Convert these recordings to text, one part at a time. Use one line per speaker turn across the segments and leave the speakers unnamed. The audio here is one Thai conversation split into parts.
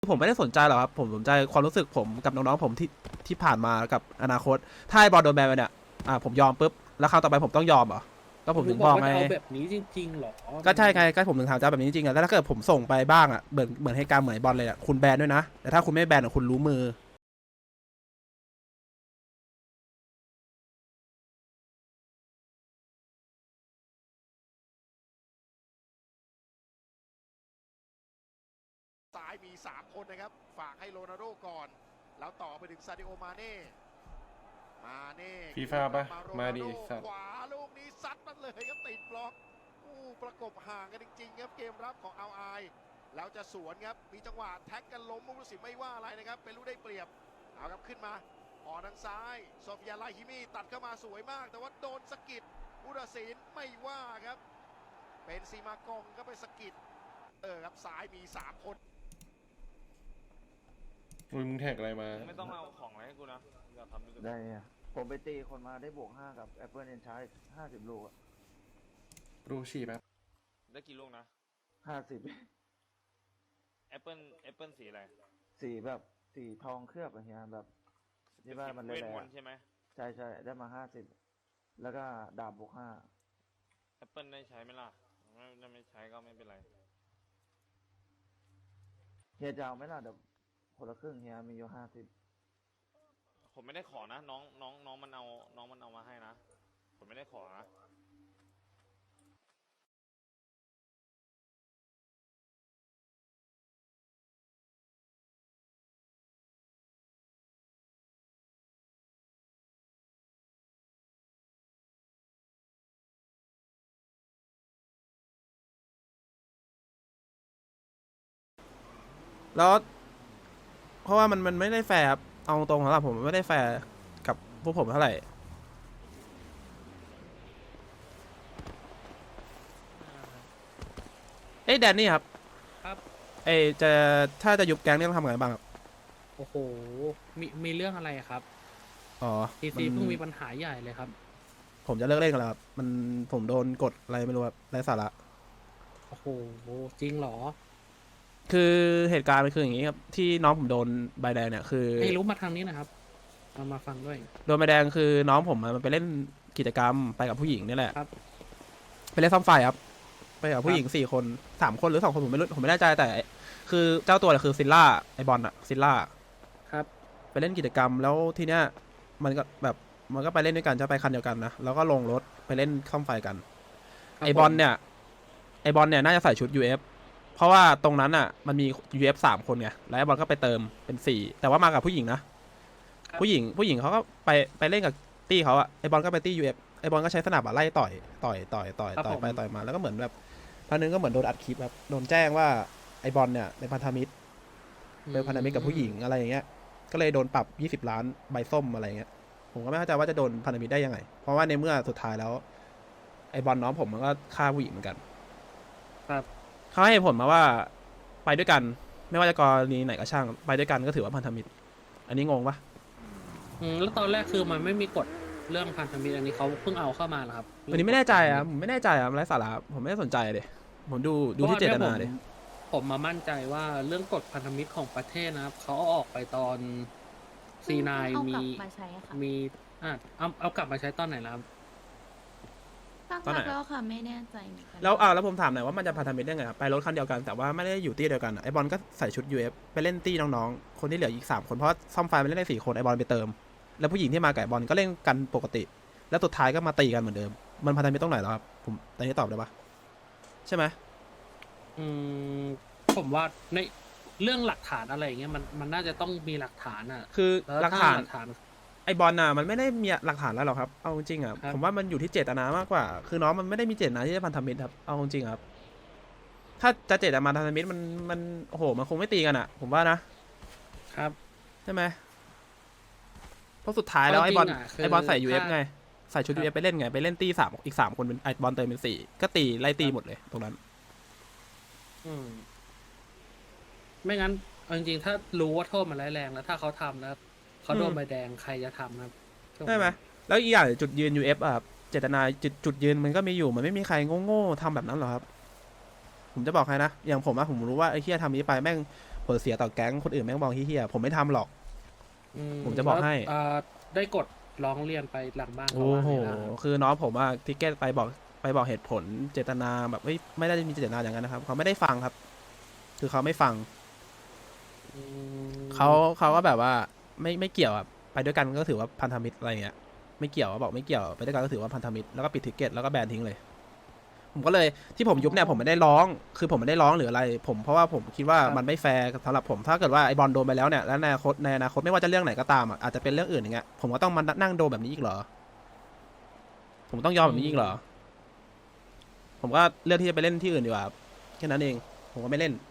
ผมไม่ได้สนใจหรอกครับผมสนใจความรู้สึกผมกับน้องๆผมที่ผ่านมากับอนาคตถ้าไอ้บอลโดนแบนไปเนี่ยผมยอมปุ๊บแล้วคราวต่อไปผมต้องยอมเหรอก็ผม
ลุ
ถึงบอกไง
งบอกว่าจะเอาแบบนี้จริงๆหรอ
ก็ใช่ไงก็ผมถึงถามจะแบบนี้จริงๆอะแล้วถ้าเกิดผมส่งไปบ้างอะเหมือนให้การเหมือนบอลเลยอะคุณแบนด้วยนะแต่ถ้าคุณไม่แบนคุณรู้มือ
ซ้ายมี3คนนะครับฝากให้โรนัลโดก่อนแล้วต่อไปถึงซาดิโอมาเน่
ฟีฟ่าปะมาดีสัตว์
ขวาลูกนี้ซัดมันเลยครับติดบล็อกประกบห่างกันจริงๆครับเกมรับของเอาไอแล้วจะสวนครับมีจังหวะแท็กกันล้มมุสิไม่ว่าอะไรนะครับเป็นลูกได้เปรียบเอาครับขึ้นมาออกทางซ้ายโซฟิยาไลฮิมีตัดเข้ามาสวยมากแต่ว่าโดนสกิดผู้ตัดสินไม่ว่าครับเป็นซีมากองก็ไปสกิดครับซ้ายมี3คน
มึงแท็กอะไรมา
ไม่ต้องเอาของอะไรให้กูนะอย่าทำด้วยกัน
ได้อะผมไปตีคนมาได้บวก5กับ Apple Enchant 50 ลูกอะ
รูฉี่แป๊บ
ได้กี่ลูกนะ
50
แอปเปิลสีอะไร
สีแบบสีทองเคลือบอะไรเงี้ยแบบที่ว่ามัน
เวท
แร
ม
ง
นต์ใช่ไหม
ๆใช่ใช่ได้มา50แล้วก็ดาบบวก5
แอปเปิลได้ใช้ไหมล่ะไม่ใช้ก็ไม่เป็นไร
เฮียจะเอาไหมล่ะเดี๋ยวคนละครึ่งเฮียมีอยู่50
ผมไม่ได้ขอนะน้องมันเอามาให้นะผมไม่ได้ขอนะ
แล้วเพราะว่ามันไม่ได้แฟร์ครับเอาตรงๆสำหรับผมมันไม่ได้แฟร์กับพวกผมเท่าไหร่เอ้ยแดนนี่ครับ
ครับ
เอ้ยถ้าจะยุบแก๊งนี่ต้องทำไงบ้างครับ
โอ้โหมีเรื่องอะไรอะครับ
อ๋อ
ทีซีเพิ่งมีปัญหาใหญ่เลยครับ
ผมจะเลิกเล่นกันแล้วครับผมโดนกดอะไรไม่รู้ครับไร้สาระ
โอ้โหจริงเหรอ
คือเหตุการณ์มันคืออย่างนี้ครับที่น้องผมโดนใบแดงเนี่ยคือ
ให้รู้มาทางนี้นะครับมาฟังด้วย
โดนใบแดงคือน้องผมมันไปเล่นกิจกรรมไปกับผู้หญิงนี่แหละ
ครับ
ไปเล่นซ่อมไฟครับไปกับผู้หญิง4 คน3 คนหรือ2 คนผมไม่แน่ใจแต่คือเจ้าตัวเนี่ยคือซิลล่าไอบอลอะซิลล่า
ครับ
ไปเล่นกิจกรรมแล้วทีเนี้ยมันก็ไปเล่นด้วยกันจะไปคันเดียวกันนะแล้วก็ลงรถไปเล่นซ่อมไฟกัน
ครับ
ไอบอลเนี่ยน่าจะใส่ชุด UF เพราะว่าตรงนั้นอ่ะมันมี UF 3 คนไงแล้วไอบอลก็ไปเติมเป็น4แต่ว่ามากับผู้หญิงนะผู้หญิงเขาก็ไปเล่นกับตี้เขาอะไอบอลก็ไปตี้ UF ไอบอลก็ใช้สนับอะไล่ต่อยไปต่อยมาแล้วก็เหมือนแบบพันนึงก็เหมือนโดนอัดคลิปแบบโดนแจ้งว่าไอบอลเนี่ยเป็นพันธมิตรกับผู้หญิงอะไรอย่างเงี้ยก็เลยโดนปรับ20 ล้านใบส้มอะไรเงี้ยผมก็ไม่เข้าใจว่าจะโดนพันธมิตรได้ยังไงเพราะว่าในเมื่อสุดท้ายแล้วไอบอลน้องผมมันก็ฆ่าผู้หญิงเหมือนกัน
ครับ
เขาให้ผลมาว่าไปด้วยกันไม่ว่าจะกรณีไหนก็ช่างไปด้วยกันก็ถือว่าพันธมิตรอันนี้งงปะ
แล้วตอนแรกคือมันไม่มีกฎเรื่องพันธมิตรอันนี้เขาเพิ่งเอาเข้ามาเหรอครับ
อันนี้ไม่แน่ใจอ่ะผมไม่แน่ใจอ่ะไร้สาระผมไม่ได้สนใจเลยผมดูที่เจตนาเลย
ผมมามั่นใจว่าเรื่องกฎพันธมิตรของประเทศนะครับเขาเอาออกไปตอนC9
เอากลั
มี
บมาใช้ค่ะ
มีเอากลับมาใช้ตอนไหนแล้วครับ
สัก
ตอนไหน
พักแล้วค่ะไม่แน่ใจเหมือนกัน
แล้วผมถามหน่อยว่ามันจะพันธมิตรได้ไงครับไปรถคันเดียวกันแต่ว่าไม่ได้อยู่ตี้เดียวกันอะไอบอลก็ใส่ชุด UF ไปเล่นตี้น้องๆคนที่เหลืออีก3 คนเพราะซ่อมไฟมันเล่นได้4 คนไอบอลไปเติมแล้วผู้หญิงที่มากับไอบอลก็เล่นกันปกติ แล้วสุดท้ายก็มาตีกันเหมือนเดิมมันพันธมิตรตรงไหนแล้วครับผมตอนนี้ตอบได้ปะใช่ไหม
ผมว่าในเรื่องหลักฐานอะไรอย่างเงี้ยมันน่าจะต้องมีหลักฐานอ่ะ
คือ
แล้ว
หลัก
ถ้า
ฐาน
หลักฐาน
ไอบอลน่ะมันไม่ได้มีหลักฐานแล้วหรอกครับเอาจริงๆอ่ะ
ครับ
ผมว่ามันอยู่ที่เจตนามากกว่า คือน้องมันไม่ได้มีเจตนาที่จะพันธมิตรครับเอาจริงๆครับ ถ้าจะเจตนาพันธมิตรมันโอ้โหมันคงไม่ตีกันอ่ะ ผมว่านะครับ ใช่ไหมเพราะสุดท้ายแล้วไอบอล
จริงๆะคื
ไอบอลใส่ UF
ถ้า
ไงใส่ชุด
ครับ
UF ไปเล่นไงไปเล่นตี3อีก3 คนเป็นไอบอลเติมเป็น4ก็ตีไล่ตีหมดเลยตรงนั้น
อืมไม่งั้นเอาจริงๆถ้ารู้ว่าโทษมันร้ายแรงแล้วถ้าเขาทำแล้วเขาโดนใบแดงใครจะทำครับ
ใช่ไหมแล้วอีกอย่างจุดยืน UF อ่ะครับเจตนาจุดยืนมันก็มีอยู่มันไม่มีใครโง่ๆทำแบบนั้นหรอกครับ ผมจะบอกใครนะอย่างผมอะผมรู้ว่าไอ้เฮียทำนี้ไปแม่งผลเสียต่อแก๊งคนอื่นแม่งมองเฮี้ยๆผมไม่ทำหรอก ผมจะบอกให้
แล้วได้กดร้องเรียนไปหลังบ้านเขา
โอ้
ว่า
โห
ไงบ้าง
คือน้องผมอะทิกเก็ตไปบอกเหตุผลเจตนาแบบไม่ได้มีเจตนาอย่างนั้นนะครับเขาไม่ได้ฟังครับ คือเขาไม่ฟัง
อืม
เขาก็แบบว่าไม่เกี่ยวอะไปด้วยกันก็ถือว่าพันธมิตรอะไรเงี้ยไม่เกี่ยวบอกไม่เกี่ยวไปด้วยกันก็ถือว่าพันธมิตรแล้วก็ปิดทิกเก็ตแล้วก็แบนทิ้งเลย ผมก็เลยที่ผมยุบเนี่ยผมไม่ได้ร้องคือผมไม่ได้ร้องหรืออะไร ผมเพราะว่าผมคิดว่ามันไม่แฟร์สำหรับผมถ้าเกิดว่าไอบอลโดนไปแล้วเนี่ยแล้วในอนาคตไม่ว่าจะเรื่องไหนก็ตามอะอาจจะเป็นเรื่องอื่นอย่างเงี้ยผมก็ต้องมานั่งโดนแบบนี้อีกเหรอ ผมต้องยอมแบบนี้อีกเหรอ ผมก็เลือกที่จะไปเล่นที่อื่นดีกว่าครับแค่นั้นเอง ผมก็ไม่เล่น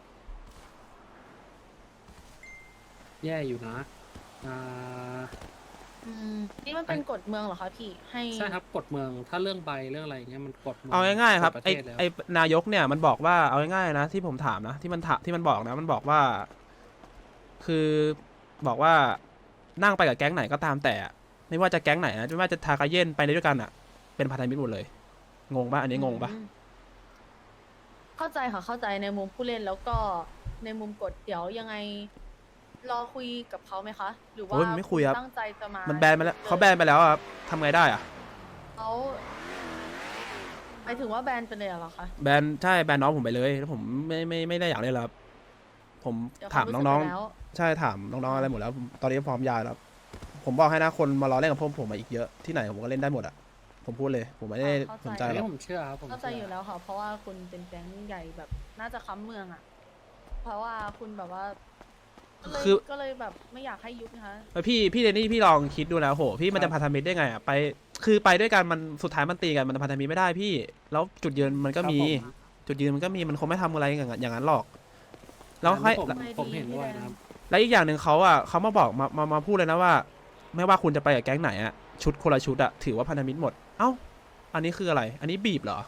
แย่อยู่นะอ่า
นี่มันเป็นกฎเมืองเหรอคะพี่ให้
ใช่ครับกฎเมืองถ้าเรื่องใบเรื่องอะไรเงี้ยมันกฎเมือง
เอาง่ายๆครับ
กฎประ
ไอ
เทศแล้ว
ไอนายกเนี่ยมันบอกว่าเอาง่ายๆนะที่ผมถามนะที่มันบอกนะมันบอกว่า คือบอกว่านั่งไปกับแก๊งไหนก็ตามแต่อะไม่ว่าจะแก๊งไหนนะไม่ว่าจะทากาเย็นไปด้วยกันอ่ะ เป็นพันธมิตรหมดเลย งงปะอันนี้งงปะ
เข้าใจค่ะเข้าใจในมุมผู้เล่นแล้วก็ในมุมกฎเดี๋ยวยังไง รอคุยกับเขาไหมคะ หรือว่า
โอ้ยไม่คุยครับ
ตั้งใจจะมา
มันแบนไปแล้วเขาแบนไปแล้วอะครับทำไงได้อ่ะ
เขาหมายถึงว่าแบนไปเลยเหรอคะ
แบนใช่แบนน้องผมไปเลยแล้วผมไม่ได้อยากเล่นแล้วครับผม
เดี๋ยว
ถาม
เขรู้สึก
น้อง
ไปแล้ว
ๆใช่ถามน้องๆอะไรหมดแล้วตอนนี้พร้อมย้ายแล้ว ผมบอกให้นะคนมารอเล่นกับพวกผมมาอีกเยอะที่ไหนผมก็เล่นได้หมดอ่ะผมพูดเลย ผมไม่ได้สนใจ
อัน
หรอ
นี้
ก
ผมเชื่อครับผม
เข้าใจอยู่แล้วค่ะ เพราะว่าคุณเป็นแก๊งใหญ่แบบน่าจะค้ำเมืองอ่ะ เพราะว่าคุณแบบว่าก็เลยแบบไม่อยากให้ยุบนะคะ
พี่เดนนี่พี่ลองคิดดูนะโหพี่มันจะพันธมิตรได้ไงอ่ะไปคือไปด้วยกันมันสุดท้ายมันตีกันมันพันธมิตรไม่ได้พี่ แล้วจุดยืนมันก็มี
ครับผม
จุดยืนมันก็มีมันคงไม่ทำอะไรอย่างนั้นหรอก แล้ว
อัน
ให้
นี้ผมเห็นด้วยนะครับ
แล้วอีกอย่างหนึ่งเขาอ่ะเขามาบอกมาพูดเลยนะว่า ไม่ว่าคุณจะไปกับแก๊งไหนอ่ะชุดคนละชุดอ่ะถือว่าพันธมิตรหมดเอ้าอันนี้คืออะไร อันนี้บีบเหรอ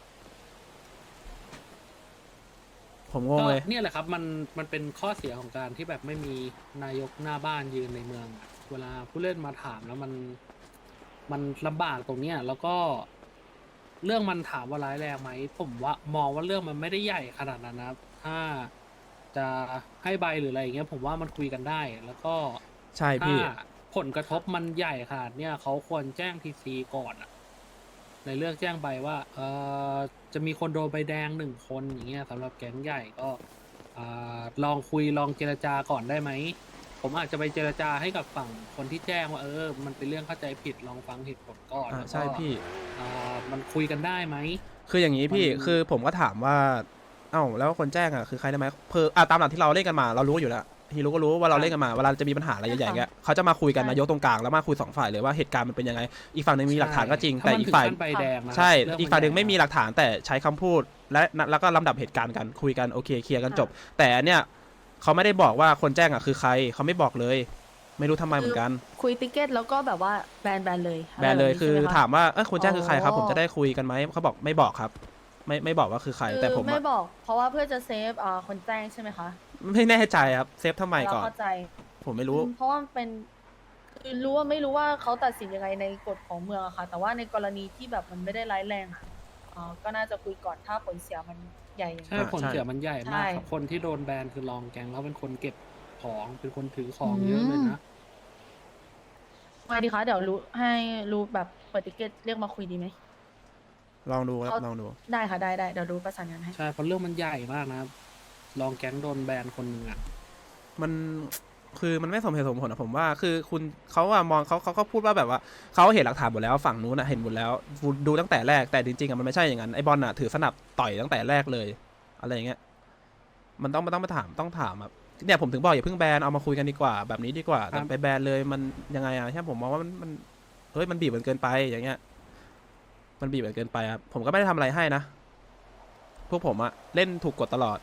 ผมงงเลย
ก็เนี่ยแหละครับมันเป็นข้อเสียของการที่แบบไม่มีนายกหน้าบ้านยืนในเมือง เวลาผู้เล่นมาถามแล้วมันลำบากตรงเนี้ยแล้วก็เรื่องมันถามว่าร้ายแรงไหมผมว่ามองว่าเรื่องมันไม่ได้ใหญ่ขนาดนั้นนะครับถ้าจะให้ใบหรืออะไรอย่างเงี้ยผมว่ามันคุยกันได้ แล้วก็
ใช่
ถ้า
พี่
ผลกระทบมันใหญ่ขนาดเนี้ยเขาควรแจ้งทีซีก่อนอะในเรื่องแจ้งใบว่าจะมีคนโดนใบแดง1 คนอย่างเงี้ยสำหรับแก๊งใหญ่ก็ลองคุยลองเจรจาก่อนได้ไหมผมอาจจะไปเจรจาให้กับฝั่งคนที่แจ้งว่ามันเป็นเรื่องเข้าใจผิดลองฟังเหตุผลก่อนแล้วก็
ใช่พี่
มันคุยกันได้ไหม
คืออย่างนี้พี่
มัน
คือผมก็ถามว่า เอ้าแล้วคนแจ้งอ่ะคือใครได้ไหมตามหลักที่เราเล่นกันมาเรารู้อยู่แล้วฮีรู้ก็รู้ว่าเราเล่นกันมาเวลาจะมีปัญหาอะไรใหญ่ๆเงี้ยเขาจะมาคุยกันนายกตรงกลางแล้วมาคุย2 ฝ่ายเลยว่าเหตุการณ์มันเป็นยังไง อีกฝั่งหนึ่งมีหลักฐานก็จริง แต่
ถ้มัน
อีก
ถึง
ฝ่าย
ขั้นใบแดงนะ
ใช่
เรื่
อีกฝ่ายหนึ่ง
ใญ่
ไม่มีหลักฐานแต่ใช้คำพูดแล้วก็ลำดับเหตุการณ์กันคุยกันโอเคเคลียร์กันจบ แต่อันเนี้ยเขาไม่ได้บอกว่าคนแจ้งอ่ะคือใครเขาไม่บอกเลย ไม่รู้ทำไมเหมือนกัน
คุยติเกตแล้วก็แบบว่าแบนเลย
แบนเลย
ะไร
คือ
แบบนี้ใช่ไหะ
ถามว่าคนแจ้งคือใครครับ
อ๋อ
ผมจะได้คุยกันไหมเขาบอกไม่บอกครับ ไม่บอกว่าคือใคร แต่ผม
ไม่
อะ
บอก เพราะว่าเพื่อจะเซฟคนแจ้งใช่ไหมคะ
ไม่แน่ใจครับเซฟทำไมก่อน
เราเข้าใจ
ผมไม่รู้
เพราะว่ามันเป็นคือไม่รู้ว่าเขาตัดสินยังไงในกฎของเมืองอะค่ะ แต่ว่าในกรณีที่แบบมันไม่ได้ร้ายแรงอะก็น่าจะคุยก่อนถ้าผลเสียมันใหญ่อย่าง
ใช่
นี้
ผลเสียมันใหญ่มาก
ใช่
ครับคนที่โดนแบนคือรองแกงเขาเป็นคนเก็บของเป็นคนถือของเยอะเลยนะ
ไงดีคะเดี๋ยวให้รู้แบบเปิดติเกตเรียกมาคุยดีไหม
ลองดูครับ
เขา
ลองดู
ได้ค่ะได้เดี๋ยวรู้ประสานงานให้
ใช่เพราะเรื่องมันใหญ่มากนะครับรองแก๊งโดนแบนคนหนึ่งอ่ะ
มันคือมันไม่สมเหตุสมผลนะผมว่าคือคุณเขาอะมองเขาก็พูดว่าแบบว่าเขาเห็นหลักฐานหมดแล้วฝั่งนู้นอะเห็นหมดแล้วดูตั้งแต่แรกแต่จริงๆอะมันไม่ใช่อย่างนั้นไอบอลอะถือสนับต่อยตั้งแต่แรกเลยอะไรอย่างเงี้ยมันต้องมาถามต้องถามแบบเนี่ยผมถึงบอกอย่าเพิ่งแบนเอามาคุยกันดีกว่าแบบนี้ดีกว่าแต่ไปแบนเลยมันยังไงอะใช่ผมมองว่ามันเฮ้ยมันบีบมันเกินไปอย่างเงี้ยมันบีบมันเกินไปครับผมก็ไม่ได้ทำอะไรให้นะพวกผมอะเล่นถูกกฎตลอด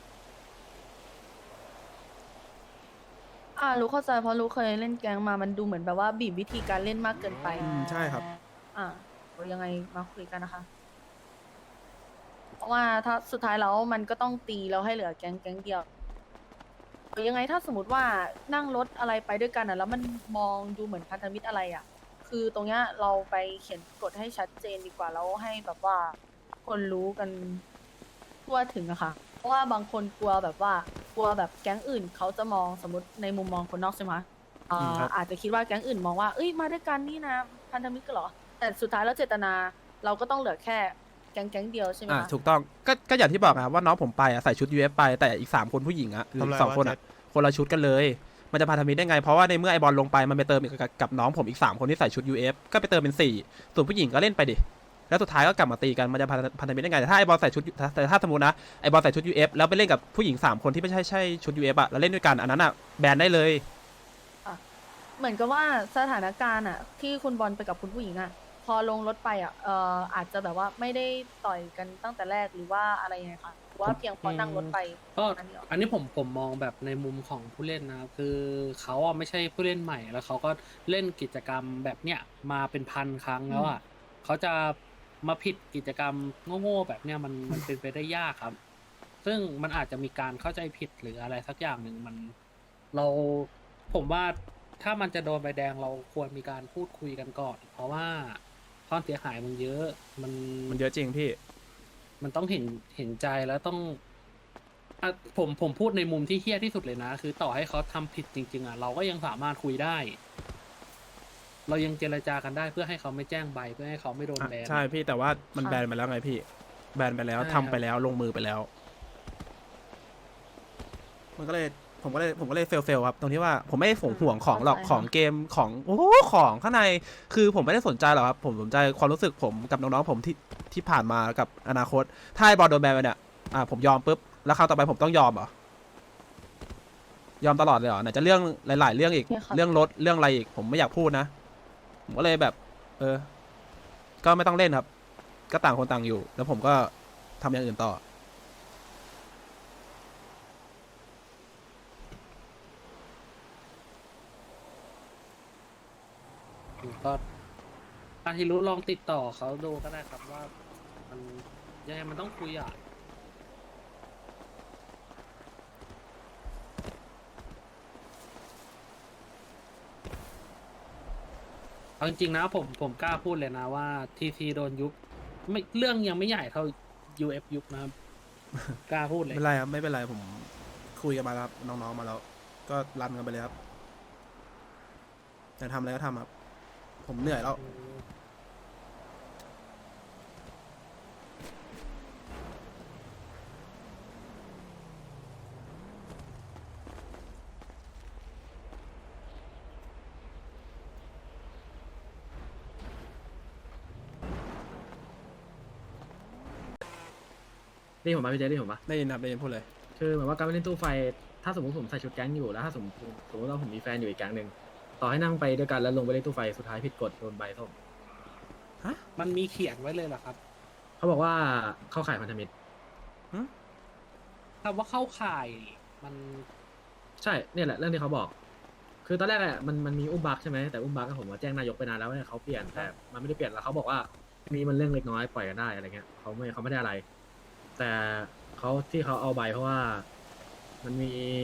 รู้เข้าใจเพราะรู้เคยเล่นแก๊งมามันดูเหมือนแบบว่าบีบวิธีการเล่นมากเกินไป
ใช่ครับ
เดี๋ยวยังไงมาคุยกันนะคะ เพราะว่าถ้าสุดท้ายแล้วมันก็ต้องตีแล้วให้เหลือแก๊งเดียวหรือยังไงถ้าสมมติว่านั่งรถอะไรไปด้วยกันแล้วมันมองดูเหมือนพันธมิตรอะไรคือตรงเนี้ยเราไปเขียนกฎให้ชัดเจนดีกว่าแล้วให้แบบว่าคนรู้กันทั่วถึงอะค่ะ เพราะว่าบางคนกลัวแบบว่ากลัวแบบแก๊งอื่นเขาจะมองสมมติในมุมมองคนนอกใช่ไหม
ครับ
อาจจะคิดว่าแก๊งอื่นมองว่าเอ้ยมาด้วยกันนี่นะพันธมิตรกันเหรอแต่สุดท้ายแล้วเจตนาเราก็ต้องเหลือแค่แก๊งเดียวใช่ไหมคะ
ถูกต้องก็อย่างที่บอกครับว่าน้องผมไปอะใส่ชุด UF ไปแต่อีก3คนผู้หญิงอะคือ
ทำไร
สองคน
วะ
อะ
เจ็ด
คนละชุดกันเลย มันจะพันธมิตรได้ไงเพราะว่าในเมื่อไอบอลลงไปมันไปเติมอีกกับน้องผมอีก3คนที่ใส่ชุด UF ก็ไปเติมเป็น4ส่วนผู้หญิงก็เล่นไปดิแล้วสุดท้ายก็กลับมาตีกันมันจะพันธมิตรได้ไงแต่ถ้าไอบอลใส่ชุดแต่ถ้าสมมตินะไอบอลใส่ชุด UF แล้วไปเล่นกับผู้หญิง3คนที่ไม่ใช่ชุด UF อะแล้วเล่นด้วยกันอันนั้นอะแบนได้เลย
เหมือนกับว่าสถานการณ์อ่ะที่คุณบอลไปกับคุณผู้หญิงอ่ะพอลงรถไปอ่ะอาจจะแบบว่าไม่ได้ต่อยกันตั้งแต่แรกหรือว่าอะไรยังไงคะหรือว่าเพียงพอนั่งรถไป
ก็
อันนี้เหรอ
อันนี้ผมมองแบบในมุมของผู้เล่นนะครับคือเขาอ่ะไม่ใช่ผู้เล่นใหม่แล้วเขาก็เล่นกิจกรรมแบบเนี้ยมาเป็นพันครั้งแล้วอ่ะเขาจะมาผิดกิจกรรมโง่ๆแบบเนี้ยมันเป็นไปได้ยากครับ ซึ่งมันอาจจะมีการเข้าใจผิดหรืออะไรสักอย่างหนึ่งเราผมว่าถ้ามันจะโดนใบแดงเราควรมีการพูดคุยกันก่อน เพราะว่าความเสียหายมันเยอะ
มันเยอะจริงพี่
มันต้องเห็นใจแล้วต้องอ่ะผมพูดในมุมที่เฮี้ยที่สุดเลยนะ คือต่อให้เขาทำผิดจริง ๆอ่ะเราก็ยังสามารถคุยได้ เรายังเจรจากันได้เพื่อให้เขาไม่แจ้งใบเพื่อให้เขาไม่โดนแบน
ใช่พี่แต่ว่ามัน
ค่ะ
แบนไปแล้วไงพี่แบนไปแล้ว
ใช่
ทำไปแล้วลงมือไปแล้ว มันก็เลยผมก็เลยเฟลครับตรงที่ว่าผมไม่ได้ห่วงของหรอกของเกมของโอ้โหของข้างในคือผมไม่ได้สนใจหรอกครับผมสนใจความรู้สึกผมกับน้องๆผมที่ผ่านมากับอนาคตถ้าไอ้บอลโดนแบนไปเนี่ยผมยอมปุ๊บแล้วคราวต่อไปผมต้องยอมเหรอยอมตลอดเลยเหรอไหนจะเรื่องหลายๆเรื่องอีก
โอเคครับ
เรื่องรถเรื่องอะไรอีกผมไม่อยากพูดนะผมก็เลยแบบ ก็ไม่ต้องเล่นครับ ก็ต่างคนต่างอยู่ แล้วผมก็ทำอย่างอื่นต่อ
ก็อาทิรุลองติดต่อเขาดูก็ได้ครับว่ามันยังไงมันต้องคุยอ่ะเอาจริงๆนะผมกล้าพูดเลยนะว่าทีซีโดนยุบไม่เรื่องยังไม่ใหญ่เท่า UF ยุบนะครับ กล้าพูดเลย
ไม่เป็นไรครับ ไม่เป็นไรผมคุยกันมาแล้วครับน้องๆมาแล้ว ก็รันกันไปเลยครับจะทำอะไรก็ทำครับ ผมเหนื่อยแล้ว
นี่ผมมาพี่เจนี่ผมปะ
ได้ยินครับได้ยินพูดเลย
คือเหมือนว่าการไปเล่นตู้ไฟ ถ้าสมมติผมใส่ชุดแก๊งอยู่แล้วถ้าสมมติว่าผมมีแฟนอยู่อีกแก๊งหนึ่งต่อให้นั่งไปด้วยกันแล้วลงไปเล่นตู้ไฟสุดท้ายผิดกฎโดนใบส้ม
มันมีเขียนไว้เลยเหรอครับ
เขาบอกว่าเข้าข่ายพันธมิตร
คำว่าเข้าข่ายมัน
ใช่เนี่ยแหละเรื่องที่เขาบอก คือตอนแรกอะมันมีอุ้มบักใช่ไหมแต่อุ้มบักผมมาแจ้งนายกไปนานแล้วว่าเขาเปลี่ยนแต่มันไม่ได้เปลี่ยนแล้วเขาบอกว่ามีมันเรื่องเล็กน้อยปล่อยกันได้อะไรเงี้ยเขาไม่ได้อะไร แต่เขาที่เขาเอาใบเพราะว่ามัน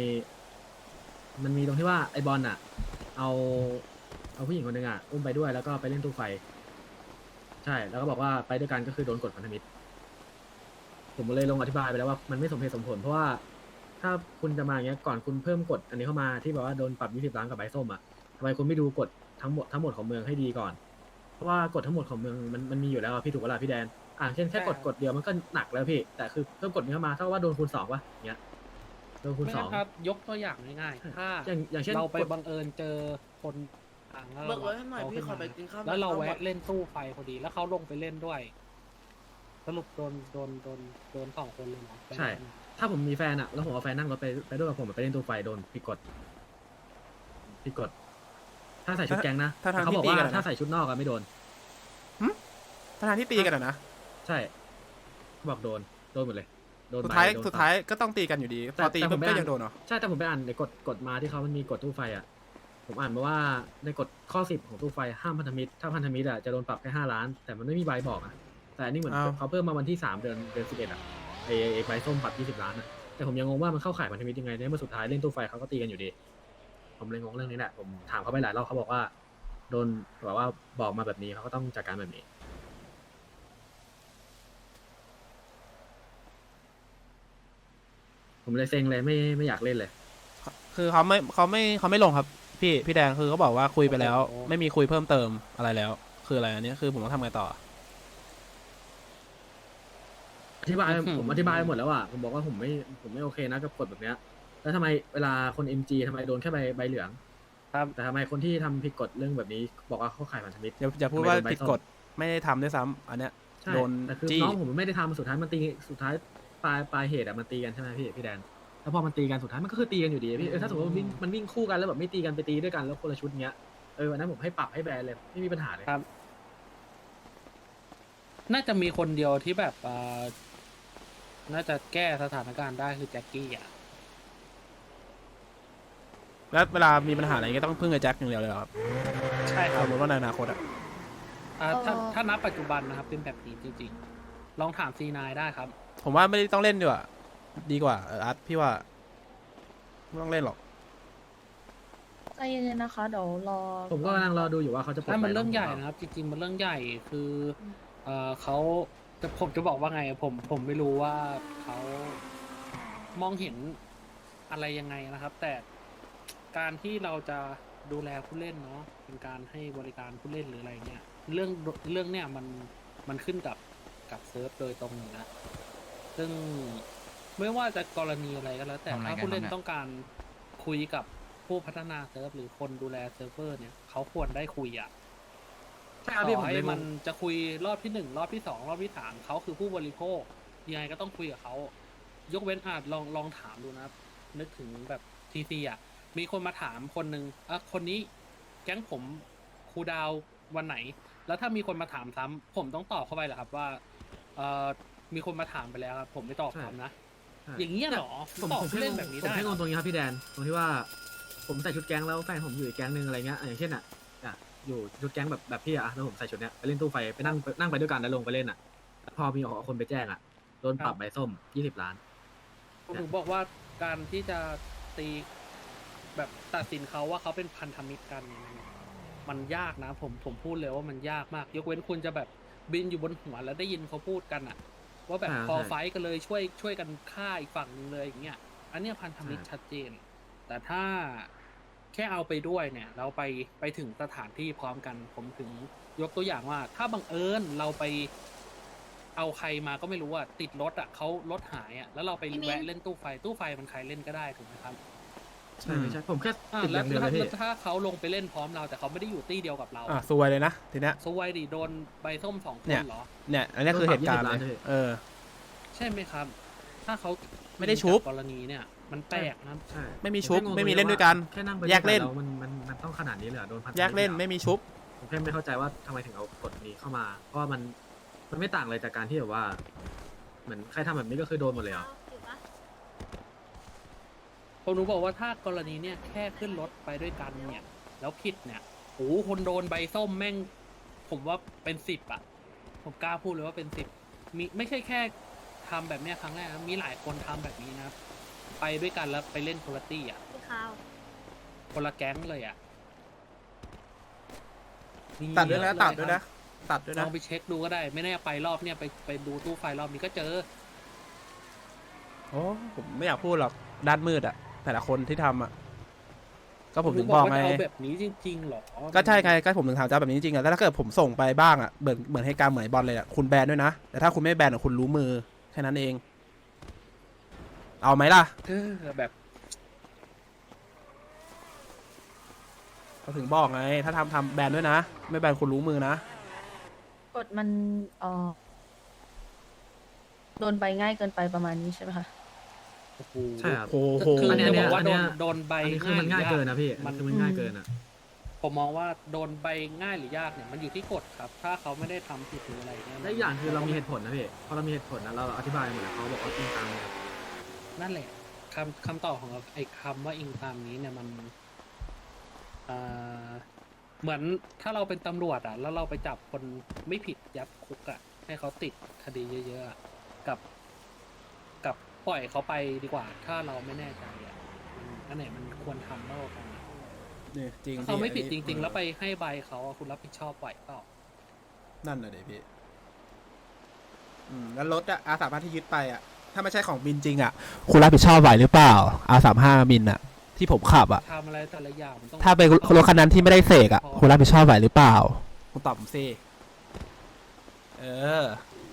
มีตรงที่ว่าไอบอลอะเอาผู้หญิงคนหนึ่งอะอุ้มไปด้วยแล้วก็ไปเล่นตู้ไฟ ใช่แล้วก็บอกว่าไปด้วยกันก็คือโดนกดพันธมิตร ผมเลยลงอธิบายไปแล้วว่ามันไม่สมเหตุสมผลเพราะว่าถ้าคุณจะมาอย่างเงี้ยก่อนคุณเพิ่มกฎอันนี้เข้ามาที่แบบว่าโดนปรับ20 ล้านกับใบส้มอ่ะทำไมคุณไม่ดูกฎทั้งหมดของเมืองให้ดีก่อน เพราะว่ากฎทั้งหมดของเมืองมันมีอยู่แล้วอะพี่ถูกเวลาพี่แดนเช่นแค่กฎเดียวมันก็หนักแล้วพี่แต่คือเพิ่มกฎนี้เข้ามาเท่ากับว่าโดนคูณ2วะอย่างเงี้ยโดนคูณ
ไม่
2
งั้นครับยกตัวอย่างง่ายๆถ้า
อย่างเช่น
เราไป
กฎ
บังเอิญเจอคนต่าง
เบิกรถให้หน่อยพี่ขอไปกินข้าว
แล้วเรา
ข้าวหม
แวะ
ด
เล่นตู้ไฟพอดี แล้วเขาลงไปเล่นด้วย สรุปโดน2 คนเลยเนาะ
ใช่ ถ้าผมมีแฟนอะแล้วผมเอาแฟนนั่งรถไปด้วยกับผมไปเล่นตู้ไฟโดนผิดกฎถ้าใส่ชุดแก๊งนะ
ถ้าทาง
เขาบอก
ที่ตี
ว่า
กันอะนะ
ถ้าใส่ชุดนอกอะไม่โดน
ทางที่ตีกันอะนะ
ใช่บอกโดนหมดเลยโดน
สุด
ใบ
ท้าย
โดน
สุดท้ายก็ต้องตีกันอยู่ดีพอตี
แต่ผ
ปุ๊
ม
บ
ไม่
ก็
อ่าน
ยังโดนเหรอ
ใช่แต่ผมไปอ่านในกฎมาที่เขามันมีกฎตู้ไฟอ่ะผมอ่านมาว่าในกฎข้อ10ของตู้ไฟห้ามพันธมิตรถ้าพันธมิตรอ่ะจะโดนปรับแค่5 ล้าน แต่มันไม่มีใบบอกอ่ะแต่อันนี้เหมือน
อ้าว
เขาเพิ่มมาวันที่3 เดือน11อ่ะไอ้ใบส้มปรับ20 ล้านอ่ะแต่ผมยังงงว่ามันเข้าข่ายพันธมิตรยังไงในเมื่อสุดท้ายเล่นตู้ไฟเขาก็ตีกันอยู่ดี ผมเลยงงเรื่องนี้แหละผมถามเขาไปหลายรอบเขาบอกว่าโดนแบบว่าบอกมาแบบนี้เขาก็ต้องจัดการแบบนี้ ผมผมเลยเซ็งเลยไม่อยากเล่นเลย
คือเขาไม่ลงครับพี่แดงคือเขาบอกว่าคุยไปแล้ว ไม่มีคุยเพิ่มเติมอะไรแล้ว คืออะไรอันนี้คือผมต้องทำไงต่อ
อธิบายผมอธิบายไปหมดแล้วอ่ะผมบอกว่าผมไม่โอเคนะกับกฎแบบเนี้ยแล้วทำไมเวลาคน MG ทำไมโดนแค่ใบเหลือง
ครับ
แต่ทำไมคนที่ทำผิดกฎเรื่องแบบนี้บอกว่าเข้าข่ายพันธมิตร
อย่าพูดว่า
ทำไมโนใบ
ผิด
ส้ม
กฎไม่ได้ทำด้วยซ้ำอันเนี้ย
ใช่
โดน
แต่คือ
จี้
น้องผมไม่ได้ทำสุดท้ายมันตีสุดท้ายปลายเหตุอะมันตีกันใช่ไหมพี่แดนแล้วพอมันตีกันสุดท้ายมันก็คือตีกันอยู่ดีพี่ถ้าสมมติว่ามันวิ่งคู่กันแล้วแบบไม่ตีกันไปตีด้วยกันแล้วคนละชุดเงี้ยวันนั้นผมให้ปรับให้แบนเลยไม่มีปัญหาเลย
ครับ น่าจะมีคนเดียวที่แบบน่าจะแก้สถานการณ์ได้คือแจ็คกี้อ่ะ
แล้วเวลามีปัญหาอะไรก็ต้องพึ่งไอ้แจ็คอย่างเดียวเลยเหรอครับ
ใช่ค
ส
รับ
มมติว่าในอนาคตอะ
ถ้านับปัจจุบันนะครับเป็นแบบนี้จริงๆ ลองถามC9ได้ครับ
ผมว่าไม่ได้ต้องเล่นดีกว่าดีกว่าอาร์ตพี่ว่าไม่ต้องเล่นหรอก
ใจเย็นๆนะคะเดี๋ยวรอ
ผมก็กำลังรอดูอยู่ว่าเขาจะปลด
ถ้ามัน
ใบ
เรื่องใหญ่
น้
นะครับ จริงๆมันเรื่องใหญ่คือเขาผมจะบอกว่าไงผมไม่รู้ว่าเขามองเห็นอะไรยังไงนะครับ แต่การที่เราจะดูแลผู้เล่นเนาะเป็นการให้บริการผู้เล่นหรืออะไรเงี้ยเรื่องเนี่ยมันขึ้นกับเซิร์ฟโดยตรงอยู่นะซึ่งไม่ว่าจะกรณีอะไรก็แล้ว แต่ถ้าผู้เล่นต้องการคุยกับผู้พัฒนาเซิร์ฟหรือคนดูแลเซิร์ฟเวอร์เนี่ยเขาควรได้คุยอ่ะ
ใช่ครับพี่
ต่
ผม
อให้
เลย
มันจะคุยรอบที่หนึ่งรอบที่สองรอบที่สามเขาคือผู้บริโภคยังไงก็ต้องคุยกับเขายกเว้นลองถามดูนะครับนึกถึงแบบทีซีอ่ะมีคนมาถามคนหนึ่งคนนี้แก๊งผมครูดาววันไหน แล้วถ้ามีคนมาถามซ้ำผมต้องตอบเข้าไปเหรอครับว่ามีคนมาถามไปแล้วครับผมไม่ตอบซ้ำนะ
ใช่
อย่างเงี้ยเหรอ
ผม
ตอบ
ผม
ผู้
แค่
เล่น
งง
แบบนี้
ผม
ได้
แค่
เห
ง
รง
ตรงนี้ครับพี่แดนตรงที่ว่าผมใส่ชุดแก๊งแล้วแฟนผมอยู่อีกแก๊งหนึ่งอะไรเงี้ยอย่างเช่นอยู่ชุดแก๊งแบบพี่แล้วผมใส่ชุดเนี้ยไปเล่นตู้ไฟไปนั่งไปด้วยกันแล้วลงไปเล่นพอมีคนไปแจ้งโดนปรับใบส้ม20 ล้าน
ผมถึงบอกว่าการที่จะตีแบบตัดสินเขาว่าเขาเป็นพันธมิตรกันเนี่ยมันยากนะผมพูดเลยว่ามันยากมาก ยกเว้นคุณจะแบบบินอยู่บนหัวแล้วได้ยินเขาพูดกันอะว่าแบบพอไฟท์กันเลยช่วยกันฆ่าอีกฝั่งหนึงเลยอย่างเงี้ยอันเนี้ยพันธมิตรชัดเจน แต่ถ้าแค่เอาไปด้วยเนี่ย เราไปถึงสถานที่พร้อมกัน ผมถึงยกตัวอย่างว่า ถ้าบังเอิญเราไปเอาใครมาก็ไม่รู้อ่ะติดรถอ่ะเขารถหายอ่ะแล้วเราไปแวะเล่นตู้ไฟมันใครเล่นก็ได้ถูกไหมครับ
ใช่ไม่ใช่ผมแค่ติดอ
แล้
ย่างเดียวเลยพี่
ถ้าเขาลงไปเล่นพร้อมเราแต่เขาไม่ได้อยู่ตี้เดียวกับเรา
ซวยเลยนะทีเนี้ย
สวยดิโดนใบส้ม2 ค
เนี่
น
ย
เหรอ
เนี่ยอันเนี้ยคือเหตุการณ์
โดนป
เล
รับ
ย
20 ล้าน
ใช่ไหมครับ ถ้าเขา
ไม่ได้ชุบ
จากกรณีเนี่ย มันแปลกนะ
ใช่
ไม่มีชุบ
ผแค่งง
ไม่มีเล่นด้วยกัน
แค่นั่งไป
แยกเล่น
วมันต้องขนาดนี้เลยเหรอโดนพันธมิตร
แยกเล่นไม่มีชุบ
ผมแค่ไม่เข้าใจว่าทำไมถึงเอากฎนี้เข้ามา เพราะว่ามันไม่ต่างเลยจากการที่แบบว่า เหมือนใครทำแบบนี้ก็คือโดนหมดเลยเหรอ
ผมรู้บอกว่าถ้ากรณีเนี่ยแค่ขึ้นรถไปด้วยกันเนี่ย แล้วผิดเนี่ยโอ้โหคนโดนใบส้มแม่ง ผมว่าเป็น10อ่ะ ผมกล้าพูดเลยว่าเป็น10มีไม่ใช่แค่ทำแบบเนี้ยครั้งแรกนะมีหลายคนทำแบบนี้นะครับไปด้วยกันแล้วไปเล่นโคลตี้อ่ะคนละแก๊งเลยอ่ะมี
ตัดด้วยนะ
เอะ
ตัด
เล
ด้วย
ค
นะ
รับ
ตัดด้วย
ล
นะ
องไปเช็คดูก็ได้ ไม่แน่ไปรอบเนี่ยไปดูตู้ไฟรอบนี้ก็เจอ
โอ้ผมไม่อยากพูดหรอกด้านมืดอะแต่ละคนที่ทำอะก็ผมถึงบอกไง
ว่าจะเอาแบบนี้จริงๆหรอ
ก็ใช่ไงก็ผมถึงถามจะเอาแบบนี้จริงๆอะแล้วถ้าเกิดผมส่งไปบ้างอะเหมือนให้การเหมือนบอลเลยอะคุณแบนด้วยนะแต่ถ้าคุณไม่แบนอะคุณรู้มือแค่นั้นเอง เอาไหมล่ะ
แบบ
ก็ถึงบอกไง ถ้าทำแบนด้วยนะ ไม่แบนคุณรู้มือนะ
กดมันโดนใบง่ายเกินไปประมาณนี้ใช่ไหมคะ
โอ้โห
ใช่ครับ
โอ้โห
คือ
อันเนี้ย
จะบอกว่า
อันเนี้ย
โดนใบ
อันนี้คือมันง่ายเกินนะพี่
มัน
คือมันง่ายเกินอ่ะ
ผมมองว่าโดนใบง่ายหรือยากเนี่ยมันอยู่ที่กฎครับ ถ้าเขาไม่ได้ทำผิดหรืออะไรเนี่ย
และอีกอย่างคือเรามีเหตุผลนะพี่พอเรามีเหตุผลนะเราอธิบายหมดแล้วเขาบอกว่าอิงตามเนี่ย
นั่นแหละคำตอบของเราไอ้คำว่าอิงตามนี้เนี่ยมันเหมือนถ้าเราเป็นตำรวจอ่ะ แล้วเราไปจับคนไม่ผิดยัดคุกอ่ะ ให้เขาติดคดีเยอะๆอะกับปล่อยเขาไปดีกว่า ถ้าเราไม่แน่ใจอ่ะอันไหนมันควรทำมากกว่ากันอะ
นี่จริง
ถ้าเขาไม่ผิดจ
อันนี้
ริง ๆ แล้วไปให้ใบเขาอะคุณรับผิดชอบไหวเปล่า
นั่นน่ะเดี๋ยวพี่แล้วรถอะอาสาพัที่ยึดไปอะถ้าไม่ใช่ของบินจริงอ่ะ คุณรับผิดชอบไหวหรือเปล่า R35 บินอ่ะ ที่ผมขับอ่ะ
ทำอะไรแต่ละอย่างมันต้อง
ถ้าเป็นรถคันนั้นที่ไม่ได้เสกอ่ะ คุณรับผิดชอบไหวหรือเปล่า คุณตอบผมสิเออ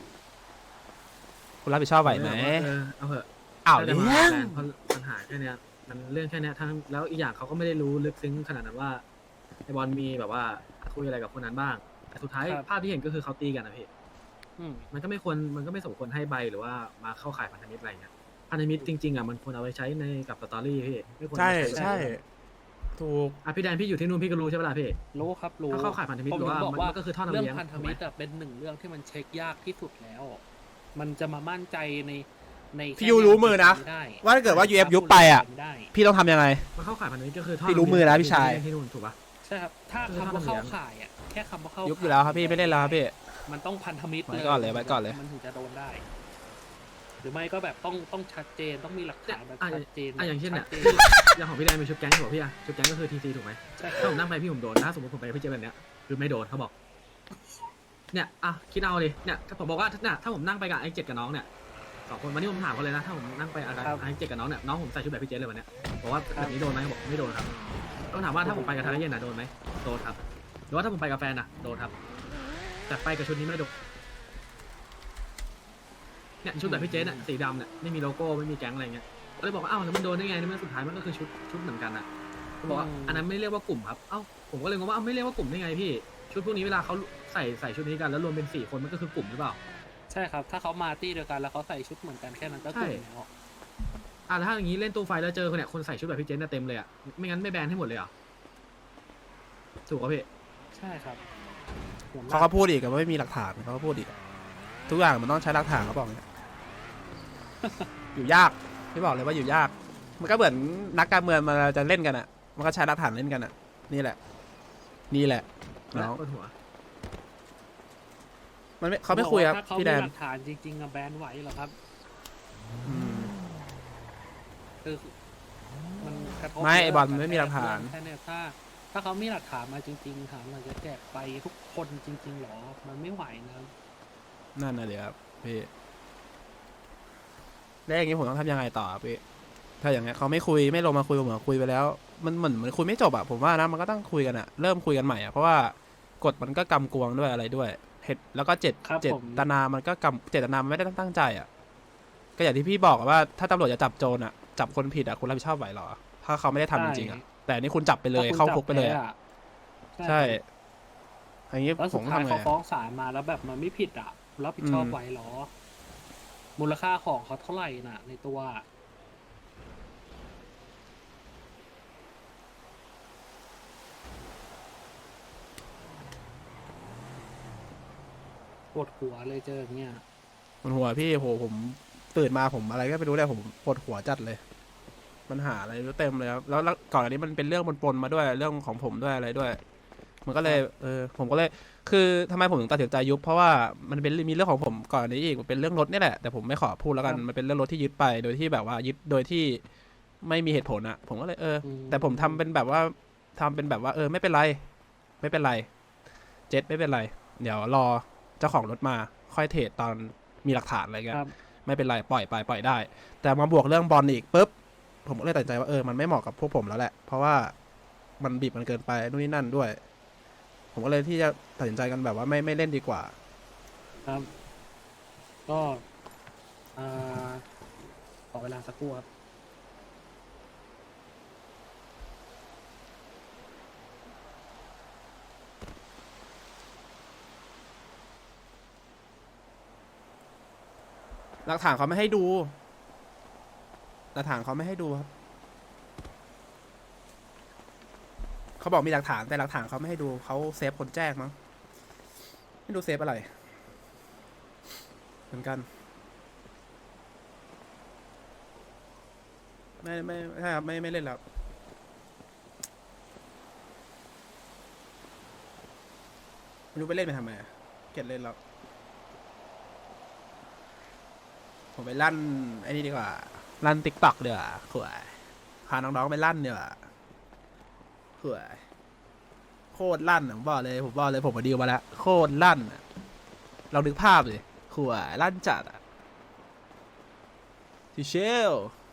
คุณรับผิดชอบไหวไหม
เอาเถอะ
อ้าว
ถ้าจะ
เรื่
มา
อง
แรงเพราะปัญหาแค่เนี้ยมันเรื่องแค่เนี้ยทั้งแล้วอีกอย่างเขาก็ไม่ได้รู้ลึกซึ้งขนาดนั้นว่าไอบอลมีแบบว่าคุยอะไรกับคนนั้นบ้างแต่สุดท้ายภาพที่เห็นก็คือเขาตีกันนะพี่
อืม
มันก็ไม่สมควรให้ใบหรือว่ามาเข้าข่ายพันธมิตรอะไรเงี้ยพันธมิตรจริงๆอ่ะมันควรเอาไปใช้ในกับสตอรี่พี่ไม่ควร
ใช่
เอาไป
ใช่ถูก
อ่ะพี่แดนพี่อยู่ที่นู่นพี่ก็รู้ใช่ปะล่ะพี่
รู้ครับรู้
ถ้าเข้าข่ายพันธมิตร
ผม
หรือว่า
ถึงบอกว่า
มันก็คือท่อนำ
เรื่อง
เลี้ยง
พันธมิตรอะเป็นหนึ่งเรื่องที่มันเช็คยากที่สุดแล้ว มันจะมามั่นใจใน
พี่ยูรู้มือนะ
ไม่ได้
ว่าถ้าเกิดว่า UF ยุบไปอ่ะ
ม่ด้
พี่ต้องทำยังไง
มันเข้าข่ายพันธมิตรก็คือท่อน
พี่รู้มือนะพี่ชาย
ที่นู่นถูกปะ
ใช่ครับ ถ้า
คือ
คำว่า
ท่อนำเลี้
เข้าย
ง
ข่ายอ่ะแค่คำว่าเข้า
ยุบอยู่แล้วครับพี่ไม่เล่นแล้วครับพี่
มันต้องพันธมิตร
ไว้ก่อนเลยไว้ก่อนเลย
มันถึงจะโดนได้ หรือไม่ก็แบบต้องชัดเจนต้องมีหลักฐานแบบชัดเจน
อย่างเช่นเนี่ย
ชัดจ
อย่างของพี่แดนมีชุดแก๊งถูกปะพี่อะชุดแก๊งก็คือทีซีถูกไหม
ใช่ค
ถ้า
รับ
ผมนั่งไปพี่ผมโดนถ้าสมมติผมไปพี่เจแบบเนี้ยคือไม่โดนเขาบอก เนี่ยอ่ะคิดเอาดิเนี่ยถ้าผมบอกว่าเนี่ยถ้าผมนั่งไปกับไอ้เจ็ดกับน้องเนี่ยสองคนวันนี้ผมถามเขาเลยนะถ้าผมนั่งไปอะไรไอ้เจ็ดกับน้องเนี่ยน้องผมใส่ชุดแบบพี่เจเลยวันเนี้ยบอกว่าแบบนี้โดนไหมเขาบอกไม่โดนครับต้องถามว่าถ้าผมไปกับทางเย็นน่ะโดนไหมโดนครับหรือว่าถ้าผมไปกับแฟนน่ะโดนครับแต่ไปกับชุดนี้ไม่โดนเนี่ยชุดแบบพี่เจเนี่ยสีดำเนี่ยไม่มีโลโก้ไม่มีแก๊งอะไรเงี้ยก็เลยบอกว่าอ้าวแล้วมันโดนได้ไงในเมื่อสุดท้ายมันก็คือชุดเหมือนกันน่ะเขาบอกว่าอันนั้นไม่เรียกว่ากลุ่มครับเอ้าผมก็เลยงงว่าไม่เรียกว่ากลุ่มได้ไงพี่ชุดพวกนี้เวลาเขาใส่ชุดนี้กันแล้วรวมเป็น4 คนมันก็คือกลุ่มหรือเปล่า
ใช่ครับ ถ้าเขามาตี้เดียวกันแล้วเขาใส่ชุดเหมือนกันแค่นั้นก็
ใช่
กลุ่มแล้ว
แล้วถ้าอย่างนี้เล่นตู้ไฟแล้วเจอคนเนี่ยคนใส่ชุดแบบพี่เจนน่ะเต็มเลยอ่ะไม่งั้นไม่แบนให้หมดเลยเหรอถูกป่ะพี่
ใช่ครับหัวหน้
เขาก็พูดอีกว่าไม่มีหลักฐานเขาก็พูดอีกทุกอย่างมันต้องใช้หลักฐานเขาบอกเนี่ย อยู่ยากพี่บอกเลยว่าอยู่ยาก มันก็เหมือนนักการเมืองมันจะเล่นกันอ่ะ มันก็ใช้หลักฐานเล่นกันอ่ะ นี่แหละ นี่แหละน้อง
ปวดหัว
มันไม่เขาไม่คุยครับ
ถ้าเขา
พี่
มี
แดน
หลักฐานจริงๆอะแบนไหวเหรอครับ
อืม
คือมันกระทบ
ไม่ไอ้บอล
เรื่ง
ไม่มีหลักฐาน
แค่เนี่ยถ้าเขามีหลักฐานมาจริงๆถามเราจะแจกไปทุกคนจริงๆหรอ มันไม่ไหวนะครับ
นั่นน่ะเดี๋ยวครับพี่แล้วอย่างนี้ผมต้องทำยังไงต่อครับพี่ถ้าอย่างเงี้ยเขาไม่คุยไม่ลงมาคุยเหมือนคุยไปแล้ว มันเหมือนคุยไม่จบอะผมว่านะมันก็ต้องคุยกันอะเริ่มคุยกันใหม่อะเพราะว่ากฎมันก็กำกวงด้วยอะไรด้วยเหตุแล้วก็เจ
ครับ
ต
ผม
นามันก็เจตนามันไม่ได้ตั้งใจอะก็อย่างที่พี่บอกอะว่าถ้าตำรวจจะจับโจรอะจับคนผิดอะคุณรับผิดชอบไหวเหรอ ถ้าเขาไม่ได้ทำจริงๆอะแต่อันนี่คุณจับไปเลย
ถ้คุณ
เข้าคุกไปเลย
จับ
อะ
แพ้
ใช่อย่างนี้
แล้ว
ผ
สุ
ม
ด
ก็
ท้าย
ทำไง
เขาฟ้อ
อะ
งศาลมาแล้วแบบมันไม่ผิดอ่ะรับผิดชอบ
อืม
ไหวเหรอ มูลค่าของเขาเท่าไหร่น่ะ ในตัว ปวดหัวเลยเจออย่างเงี้ย
ปวดหัวพี่โหผมตื่นมาผมอะไรก็ไม่รู้เลยผมปวดหัวจัดเลย มันหาอะไรไม่รู้เต็มเลยครับแล้วก่อนอันนี้มันเป็นเรื่องปนๆมาด้วยเรื่องของผมด้วยอะไรด้วย มันก็เลยผมก็เลย คือทำไมผมถึงตัดสินใจยุบเพราะว่ามันเป็นมีเรื่องของผมก่อนอันนี้อีกมันเป็นเรื่องรถนี่แหละแต่ผมไม่ขอพูดแล้วกัน
ครับ
มันเป็นเรื่องรถที่ยึดไปโดยที่แบบว่ายึดโดยที่ไม่มีเหตุผลอะผมก็เลยแต่ผมทำเป็นแบบว่าไม่เป็นไร ไม่เป็นไร เจ็ดไม่เป็นไร เดี๋ยวรอเจ้าของรถมาค่อยเทรดตอนมีหลักฐานอะไรเงี้ย
ครับ
ไม่เป็นไรปล่อยไปปล่อยได้ แต่มาบวกเรื่องบอลอีกปุ๊บผมก็เลยตัดสินใจว่ามันไม่เหมาะกับพวกผมแล้วแหละ เพราะว่ามันบีบมันเกินไปนู่นนี่นั่นด้วย ผมก็เลยที่จะตัดสินใจกันแบบว่าไม่เล่นดีกว่า
ครับ ก็ขอเวลาสักครู่ครับ
หลักฐานเขาไม่ให้ดู หลักฐานเขาไม่ให้ดูครับเขาบอกมีหลักฐานแต่หลักฐานเขาไม่ให้ดูเขาเซฟคนแจ้งมั้งไม่ดูเซฟอะไรเหมือนกันไม่ใช่ครับไม่เล่นแล้วไม่รู้ไปเล่นไปทำไมอะเกลียดเล่นแล้วผมไปลั่นไอ้นี่ดีกว่าลั่นติ๊กต็อกเดี๋ยวขวายพาน้องๆไปลั่นเดี๋ยวขวายโคตรลั่นอะผมบอกเลยผมมาดีลมาแล้วโคตรลั่นอะเรานึกภาพเลยขวายลั่นจัดอะชิเชล